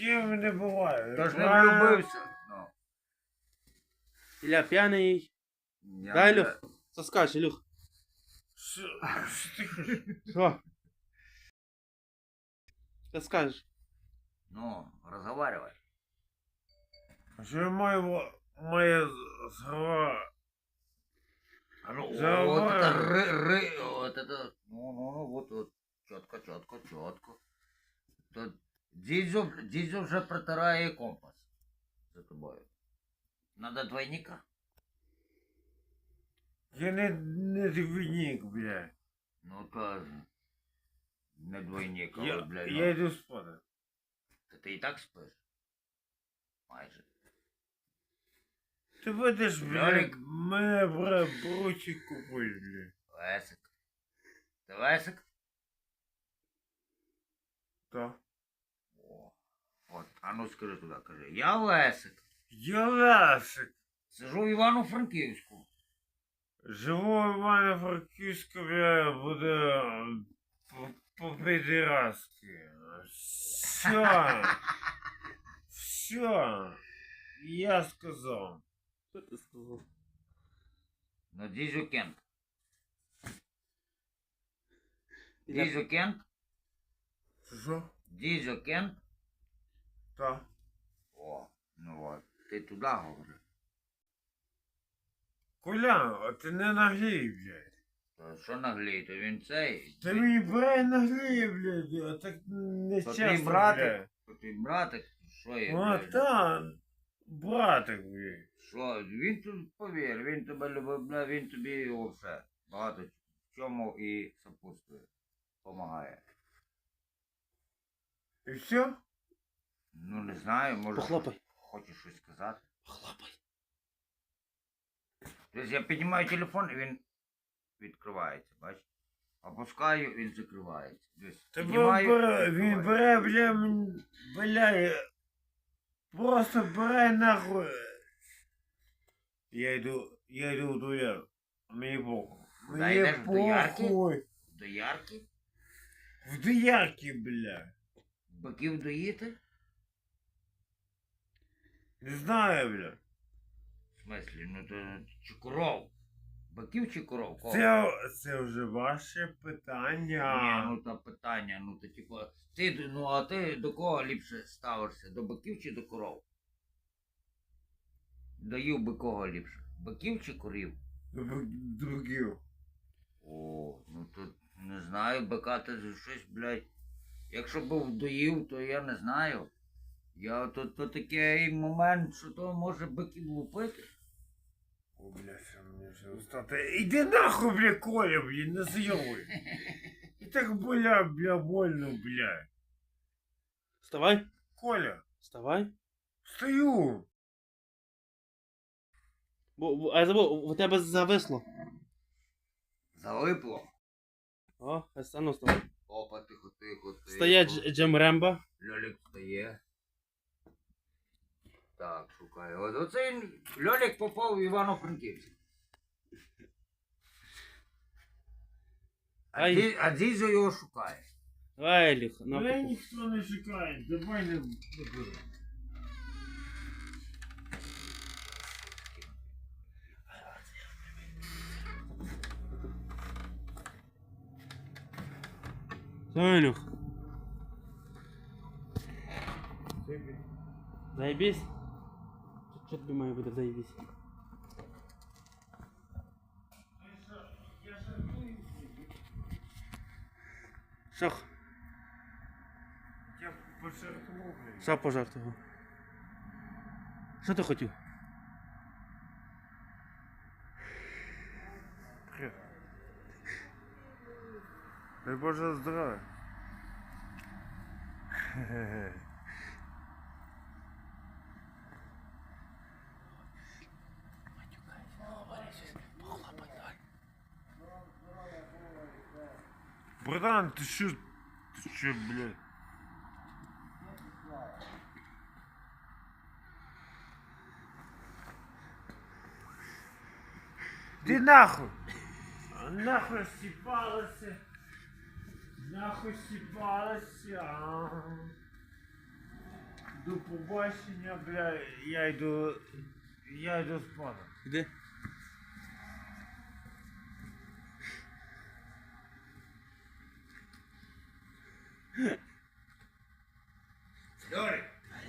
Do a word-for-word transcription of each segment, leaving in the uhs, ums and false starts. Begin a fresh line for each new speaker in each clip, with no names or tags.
ким не буває.
Тож не
Правильно?
влюбився. Ну.
Ілля п'яний.
Я
Дай,
не-
Ілюх, соскач, Ілюх.
Що що ти хочеш?
Що? Що скажеш?
Ну, разговаривай.
А що я маю моє слова?
А ну,
Разговаривай.
вот это ры, ры, вот это, ну, ну, ну, вот, вот, четко, четко, четко. Тут дідзю, дідзю вже протирає компас за тобою. Надо двойника?
Я не, не двійник, блядь.
Ну, то не двойник, а
Я,
от, блядь,
я
ну,
йду спати.
та ти і так спиш? Майже.
Ти будеш, блядь,
Льолік.
мене бра, бручик купити, блядь.
Лесик. Ти Лесик?
Так.
О, от, а ну скажи туди, кажи. Я Лесик.
Я Лесик.
Сижу в Івано-Франківську.
Живу в Івано-Франківську, блядь, буде по-підраски. Все. Все. Я сказав.
Що ти сказав?
Ну, дідзю Кент.
Ілля,
Дідзю Кент?
Що?
Дідзю Кент?
Так.
О, ну от, ти туди говори.
Колян, а ти не наглій, блядь.
То що наглій, то він цей.
Ти мені брай наглій, блядь, а так не
То
часто,
твій братик,
блядь.
то твій братик, що є,
О,
блядь?
та, братик, блядь.
Що, він тут, повір, він тебе любить, бля, він тобі все багато в чому і сопутствує, помагає.
І все?
Ну, не знаю, може,
Похлопай.
хочеш щось сказати.
Хлопай.
Тобто я піднімаю телефон, і він відкривається, бачиш? Опускаю, він закривається. Десь
Та
піднімаю,
бере, він
відкривається.
бере, бля, мен- бля, просто бере нахуй. Я йду, я йду до Яр. Мені похуй.
Куди
Мені
йдеш, в доярки?
похуй.
До ярки?
В доярки, бля.
Биків доїти?
Не знаю, бля.
В смислі, ну то чи коров? Биків чи коров? Кого?
Це, це вже ваше
Ні,
питання.
ну то питання, ну то типу, ти, ну а ти до кого ліпше ставишся? До биків чи до коров? Даю би кого ліпше? Биків чи корів?
Другів.
О, ну то не знаю, бика ти щось, блядь. Якщо був доїв, то я не знаю. Я то, то такий момент, що то може биків лупити.
О, бля, що мені вже устати. Іди нахуй, бля, Коля, бля, не зйовуй. І так, бля, бля, больно, бля.
Вставай.
Коля,
Вставай.
встаю.
Бо, бо- а я забув, у тебе зависло.
Залипло.
О, а стану вставай.
Опа, тихо, тихо, тихо.
Стає Дж- Джем Рембо.
Льолік встає. Так, шукаю. От оцей Льолік попав в Івано-Франківськ. А,
Ай.
ді, а дідзю його шукає.
Давай, Ілюх. на
Мене
попу.
ніхто не шукає, давай не буду.
Все, Ілюх. Заебись. Що тобі має бути заебись? Що?
Я пожартував, блядь.
Що пожартував? Що ти хотів?
Привет. Дай Боже здоров'я. Братан, ты что? Ты что, блядь? Ты нахуй! А нахуй степалася! Нахуй степалася! До побачення, бля, я йду. Я йду спати.
Іди.
Льорик,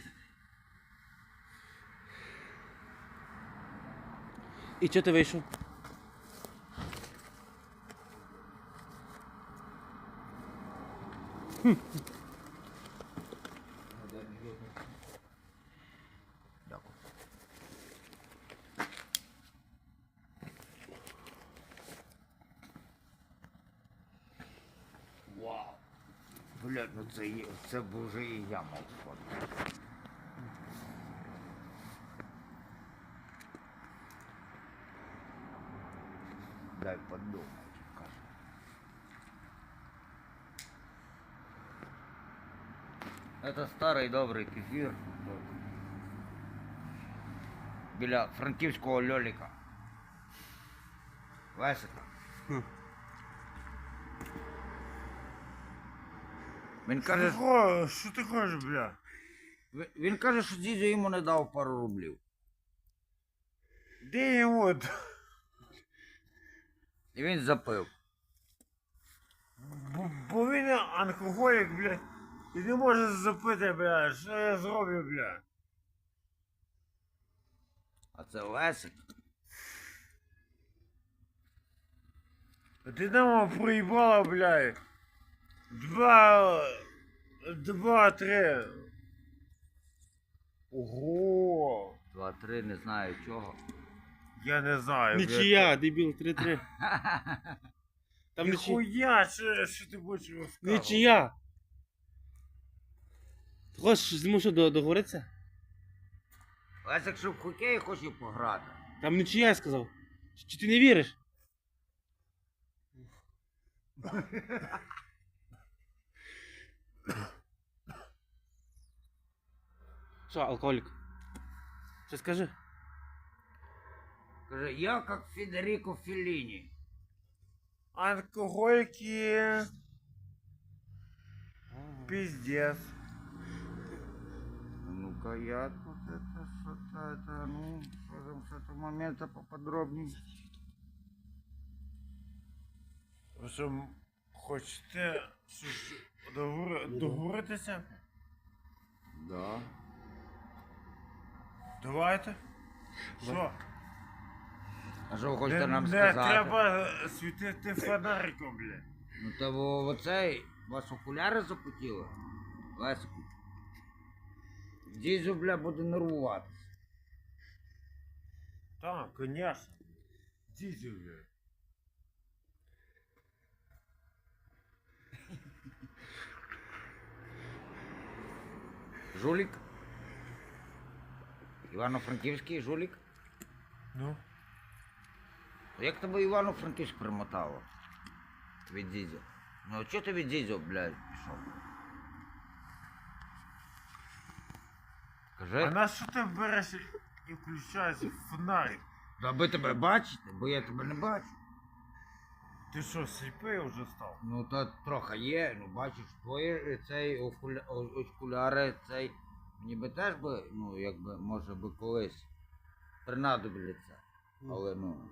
І чого ти вийшов?
дякую. Вау. Блядь, ну це, є- це б вже і я мав сфоткати. Дай подумать, кажу. Это старий добрий кефір. Біля франківського льоліка. Лесика.
Хм.
Він
Що ти
каже,
хочеш, що ти хочеш, бля?
він- він каже, що дідьо йому не дав пару рублів.
Де йому?
І він запив.
Бо, бо він алкоголік, бля. І не може запити, бля. Що я зроблю, бля?
А це Лесик.
Динамо проїбала, бля. Два... Два, три. Ого.
Два-три, не знаю чого.
Я не знаю, бля.
Нічия, дебіл, три-три. Там нічия.
Ніхуя, що, що ти будеш розказувати?
Нічия. Ти хочеш з ним що до- договоритися?
Лесик, що в хокей хоче пограти.
Там нічия, я сказав. Чи- Чи ти не віриш? Що, алкоголік? Що скажи?
Каже, я як Федеріко Фелліні.
Алкоголики. Пиздец.
Ну-ка, я тут это что-то, это, ну, что там с этого момента поподробнее.
Ви що, м- хочете щось договори- договоритися?
Да.
Давайте. Що?
А що ви хочете
Не,
нам
не
сказати?
треба світити фонариком, бля.
Ну то во- оцей, у вас окуляри запотіли? Лесику. Дідзю, бля, буде нервуватися.
Так, конечно. Дідю, бля.
Жулік? Івано-Франківський жулік?
Ну?
Як тебе Івано-Франківськ примотало? Від дідзю. Ну а чого ти від дідзю, блядь, пішов? Кажи.
А на що ти береш і включаєш фонарик?
Аби тебе бачити, бо я тебе не бачу.
Ти що, сліпий вже став?
Ну то трохи є, ну бачиш, твої е, цей окуля... о- окуляри, цей. Мені би теж би, ну якби, може би колись принадобляться. Але ну.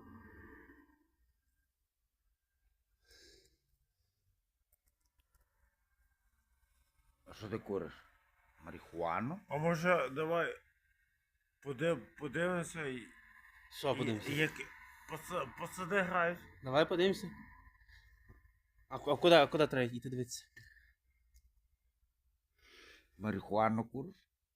А що ти куриш? Марихуану?
А може давай подив, подивимося і.
Що подивимося?
і Як паца- пацани грають.
Давай подивимося. А, ку- а куди, а куди треба йти дивитися?
Марихуану куриш?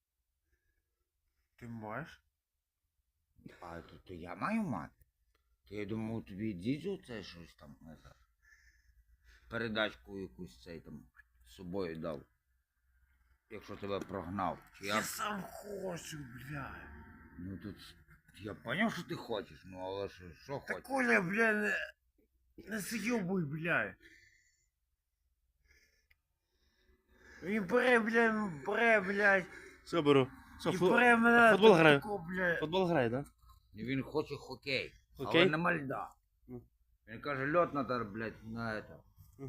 Ти маєш?
А то, то я маю мати. То я думав, тобі дідзю це щось там, не знаю. Передачку якусь цей там з собою дав. Якщо тебе прогнав. Чи
Я
я...
сам хочу, бля.
Ну тут. Я поняв, що ти хочеш, ну але що, що
Та
хочеш?
Коля, бля, не, не зйобуй, бля. Він бере, бля, бере, блядь,
Все беру. Що,
і
фу...
бере мене
футбол
до
грає?
такого, бля.
Футбол грає, так?
І він хоче хокей.
Хокей?
Але нема льда.
Ну.
Він каже, льот надо, блядь, на это.
Да?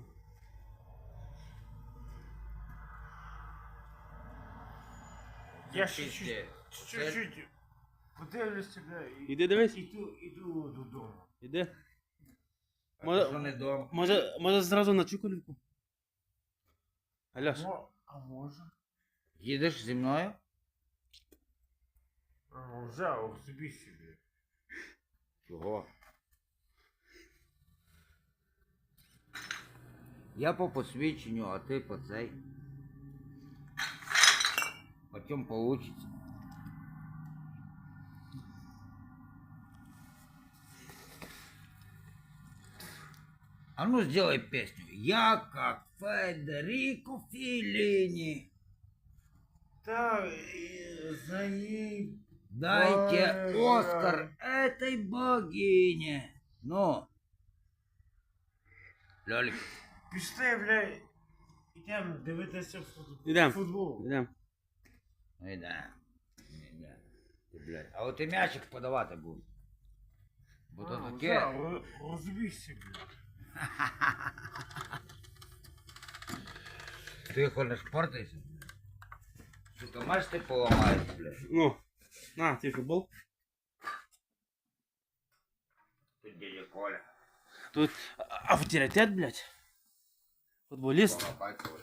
Я ще
Пізде.
чуть- чуть-чуть подивлюся, бля, і
Іди дивись.
іду, іду додому.
Іди.
А
Може-
ти що не дома?
Може, може зразу на Чуколівку? Аляш,
Мо- А може?
Їдеш зі мною?
А, взяв собі собі.
Чого? Я по посвідченню, а ти по цей. Потім получится. А ну сделай песню. Я как Федерико Феллини.
Та і за їй.
Дайте
Ой,
Оскар этой богине. Ну. Лёлик.
Пішли, бля, ідемо дивитися футбол.
Ідем.
Футбол.
йдемо.
Ну да. Да. Ти, блядь. А от і м'ячик подавати буду. Бо то
А,
таке.
взяв, ро- Розбійся, бля.
Ти ходиш портайся. Сука, маєш ти поламаєш, блядь.
Ну, на, твій футбол.
Тут дядя Коля.
Тут а- авторитет, блядь. Футболіст.
Поламай Коля.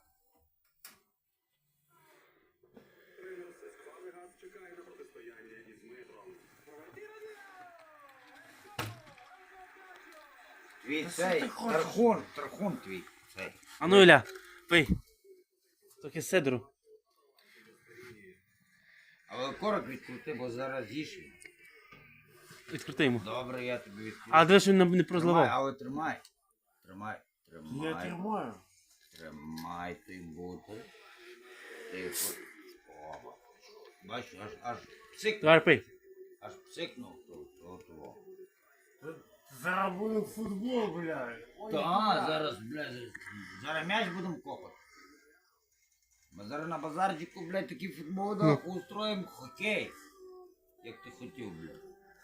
Твій
Та що
цей,
ти хочеш?
тархун, тархун твій. Цей.
А ну, Іля, пий. Трохи седру.
Але корок відкрути, бо зараз їж його.
Відкрути йому.
Добре, я тобі відкрию.
А дивись, він не- не
Тримай,
прозливав.
але тримай. Тримай,
Я
тримай.
тримаю.
Тримай ти бутер. Тихо. О. Бачиш, аж, аж псикнув.
Давай пий.
Аж псикнув. То, то, то.
Зараз буде футбол, бля. Ой,
Та,
бля.
зараз, блядь, зараз м'яч будемо копати. Ми зараз на базарчику, блядь, такий футбол да, устроїмо хокей. Як ти хотів, блядь.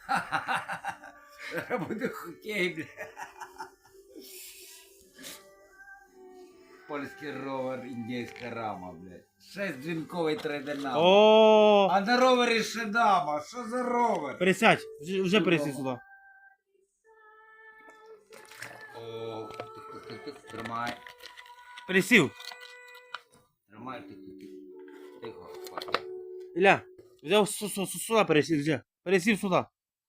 Зараз буде хокей, блядь. Польський ровер, індійська рама, блядь. Шестдзвінковий трейдернам.
О,
А на ровері ще дама. Що за ровер?
пересядь. Вже- Вже пересядь сюди.
О, тих-тих-тих-тих. Тримай.
Пересів.
Тримай, тих-тих-тих. Тихо, хватить.
Іля, взяв су- су- су- сюди пересів, вже. Пересів сюди.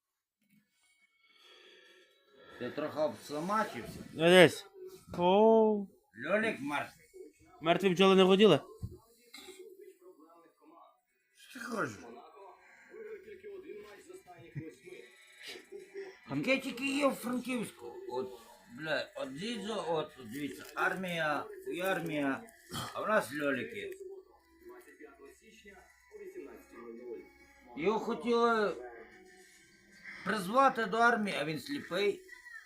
Ти трохи обсамачився.
Десь. О,
Льолік мертвий.
мертві бджоли не воділи?
Що ти хочеш?
Таке тільки є в Франківську. От, бля, от дідзо, от, дивіться, армія, і армія, а в нас льоліки. Його хотіли призвати до армії, а він сліпий.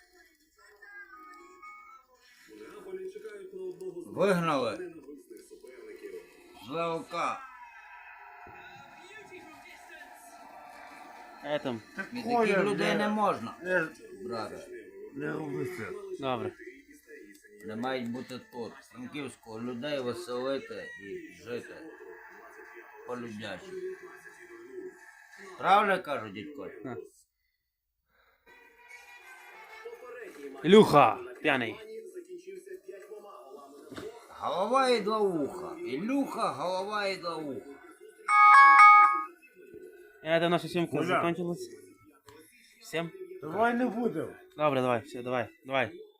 Вигнали. З ЛК.
Е, там.
Так
І
Коля,
таких людей
бля,
не можна,
Не,
брате.
не роби це.
Добре.
Не мають бути тут, в Франківську, людей веселити і жити по-людячі. Правильно кажу, дідько?
На. Ілюха, п'яний.
Голова і два уха. Ілюха, голова і два уха.
Это наша съемка
Коля.
закончилась. Всем?
Давай не будемо.
Добре, давай, все, давай, давай.